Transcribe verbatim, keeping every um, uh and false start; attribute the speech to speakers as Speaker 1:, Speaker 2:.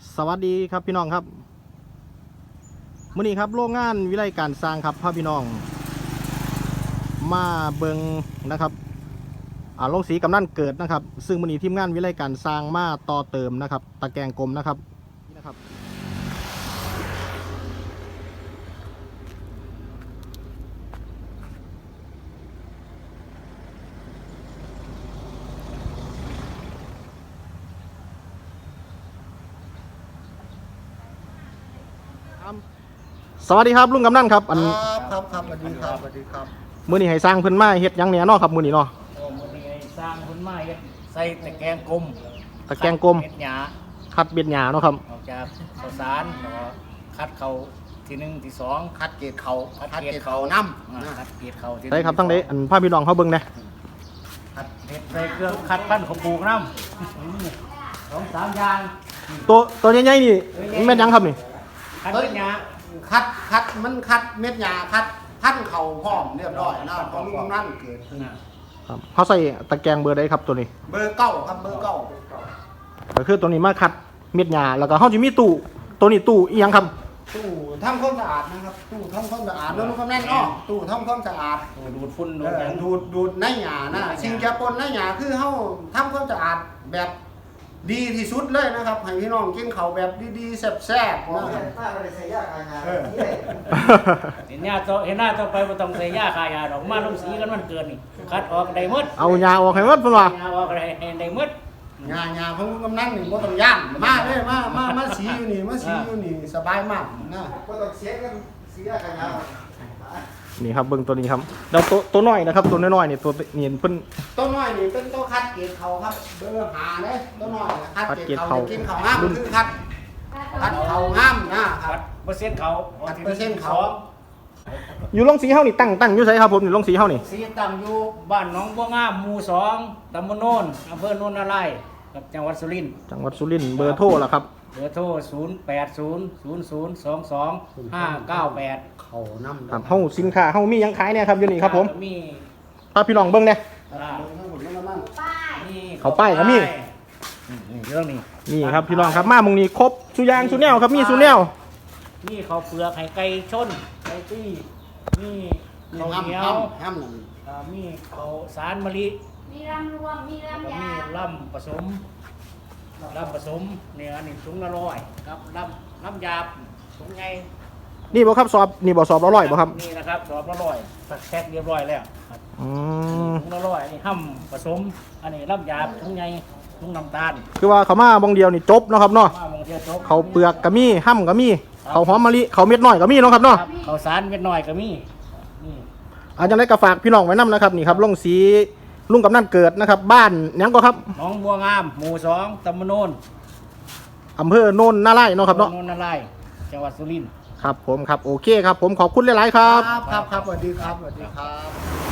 Speaker 1: สวัสดีครับพี่น้องครับมื้อนี้ครับโรงงานวิไลการสร้างครับพาพี่น้องมาเบิงนะครับอ่าโรงสีกำนันเกิดนะครับซึ่งมื้อนี้ทีมงานวิไลการสร้างมาต่อเติมนะครับตะแกรงกลมนะครับนี่นะครับสวัสดีครับลุงกำนันครับอัน
Speaker 2: ครับครับครับสวัสดีครับสวัสดีครับ
Speaker 1: มื้อนี้ให้สร้างเพิ่นมาเฮ็ดหยังแหน่เนาะครับมื้อนี้เนาะ
Speaker 3: โอ้มันนี่สร้างคนไม้ใส่ตะแกรงกลม
Speaker 1: ตะแกรงกลม
Speaker 3: เม็ดหยา
Speaker 1: คัดเบ็ดหญ้าเนาะครับ
Speaker 3: ออกจากข้าวสารแล้วก็คัดเขาทีหนึ่งทีสอง
Speaker 2: คัดเกตเขา
Speaker 3: คัด
Speaker 2: คัด
Speaker 3: เก
Speaker 2: เก
Speaker 3: ล็
Speaker 2: ต
Speaker 3: ด
Speaker 2: เขา
Speaker 3: เขา
Speaker 2: น้
Speaker 3: อ่า
Speaker 2: ำนะ
Speaker 3: คัดเกล็ดเขาทีหนึ่
Speaker 1: ได้ครับทั้งเด้อันพาพี่น้องเขาเบิ่งแหน่
Speaker 3: คัดเห็ดใส่เครื่องคัดปั้นเขาปลูกน้ำสองสามอย่าง
Speaker 1: ตัวตัวใหญ่ๆนี่แม่นหยังครับนี่
Speaker 3: คัดเม็ดหยา
Speaker 2: คัดคัดมันคัดเม็ดยาคัดพันเข่าพร้อมเรียบร้อยนะของลุงกำนันเกิด
Speaker 3: น่ะ
Speaker 1: ครับเขาใส่ตะแกรงเบอร์ใดครับตัวนี้
Speaker 2: เบอร์เก้าครับเบอร์เก้า
Speaker 1: ก็คือตัวนี้มาคัดเม็ดหญ้าแล้วก็เขาจะมีตู้ตัวนี้ตู้อีหยังครับ
Speaker 2: ตู้ทำความสะอาดนะครับตู้ทำความสะอาดแล้วลุงกำนันอ้อตู้ทำความสะอาด
Speaker 3: โอ้ดูดฝุ่น
Speaker 2: เอ
Speaker 3: ดูดห
Speaker 2: อ
Speaker 3: ยัง
Speaker 2: ดูดดูดในหยานะสิ่งจะปนในหยาคือเฮาทำความสะอาดแบบดีที่สุดเลยนะครับให้พี่น้องกินเขาวแบบดีๆแซ่บๆนะครับเออ
Speaker 3: เห็นหน้าต่อเห็นหน้าต่อไปบ่ต้องใส่ยาคายาดอกมาลงสีกันมันเกินนี่คัดออกได้หมด
Speaker 1: เอาหญ้าออกให้หมดเพิ่นว่า
Speaker 3: ยาออกได้ได้หมด
Speaker 2: งานงานของลุงกำนันนี่บ่ต้องย่านมาเด้มามามาสีอยู่นี่มาสีอยู่นี่สบายมากนะ
Speaker 4: ก็ต้องเสียกันเสียกันยาว
Speaker 1: นี่ครับเบิ่งตัวนี้ครับแล้วตัวตัวน้อยนะครับตัวน้อยๆนี่ตัวนี่เพิ่น
Speaker 2: ต้นน้อยนี่เป็นต้นคัดเกรดเขาครับเบอร์หาเด้ต้นน้อยน่ะคัด
Speaker 1: คัด
Speaker 2: เก
Speaker 1: เก
Speaker 2: ร
Speaker 1: ร
Speaker 2: ด
Speaker 1: ด
Speaker 2: เขา
Speaker 1: เขา
Speaker 2: กินเขางามคือคัดคัดเขางามนะค
Speaker 3: คั
Speaker 2: รับ
Speaker 3: ดเปอร์เซ็นต์เขา
Speaker 2: คัดเปอร์เซ็นต์เขา
Speaker 1: อยู่โรงสีเฮานี่ตั้งตั้งอยู่ไสครับผมนี่โรงสีเฮานี่
Speaker 3: สีตั้งอยู่บ้านหนองบัวงามหมู่สองตำบลโนนอำเภอโนนนารายณ์กับจังหวัดสุรินทร์
Speaker 1: จังหวัดสุรินทร์เบอร์โทรล่ะครับ
Speaker 3: เบอร์โทรศูนย์ แปด ศูนย์ ศูนย์ ศูนย์ สอง สอง ห้า เก้า แปด
Speaker 2: เขาน้ำ
Speaker 1: ครับเฮาสินค้าเฮามีหยังขายเนี่ยครับอยู่นี่ครับผม
Speaker 3: มี
Speaker 1: พาพี่น้องเบิ่งแหน่
Speaker 3: อ่ามี
Speaker 1: เขาป้ายก็มี
Speaker 3: อืมนี่เรื่องนี้
Speaker 1: นี่ครับพี่น้องครับมามุงนี้ครบสุอยางสุแนวครับมีสุแนว
Speaker 3: มีข้าวเปลือกไข่ไก่ชนไก่ตี้มี
Speaker 2: เขา
Speaker 3: ข้าว
Speaker 2: งาม
Speaker 3: เหนียว
Speaker 2: ห้ามห้ามนั่น
Speaker 3: อ่ามีข้าวสารมะลิ
Speaker 5: มีรำรวม มี
Speaker 3: แล้วก็
Speaker 5: รำยา
Speaker 3: มีล่ำผสมล่ำผสมเนี่ยอันนี้ถุงละร้อยครับล่ำล่ำหยาบถุงไง
Speaker 1: นี่บ่ครับสอบนี่บ่สอบละร้อยบ่ครับ
Speaker 3: นี่นะครับสอบละร้อยตักแพ็คเรียบร้อยแล้วครับ
Speaker 1: อืม
Speaker 3: ถุงละร้อยอันนี้ห้ำผสม อันนี้ล่ำหยาบถุงไงถุงน้ำตาล
Speaker 1: คือว่าเขามาบางเดียวนี่จบเนาะครับเนาะ
Speaker 3: มามองเที่ยวจบ
Speaker 1: เขาเปลือกก็มีห้ำก็มีเขาหอมมะลิเขาเม็ดน้อยก็มีเนาะครับเนาะ
Speaker 3: ครับข้าวสารเม็ดน้อยก็มีนี่
Speaker 1: อาจารย์ได้กระฝากพี่น้องไว้นํนะครับนี่ครับลงสีลุงกำนันเกิดนะครับ บ้านหยังก็ครับ
Speaker 3: หนองบัวงามหมู่สองตำบลโนน
Speaker 1: อำเภอโนนนาไร่เนาะครับเนาะ
Speaker 3: โนนนารายณ์จังหวัดสุรินทร์
Speaker 1: ครับผมครับโอเคครับผมขอบคุณหลายๆครับ
Speaker 2: ครับครับครับสวัสดีครับสวัสดีครับ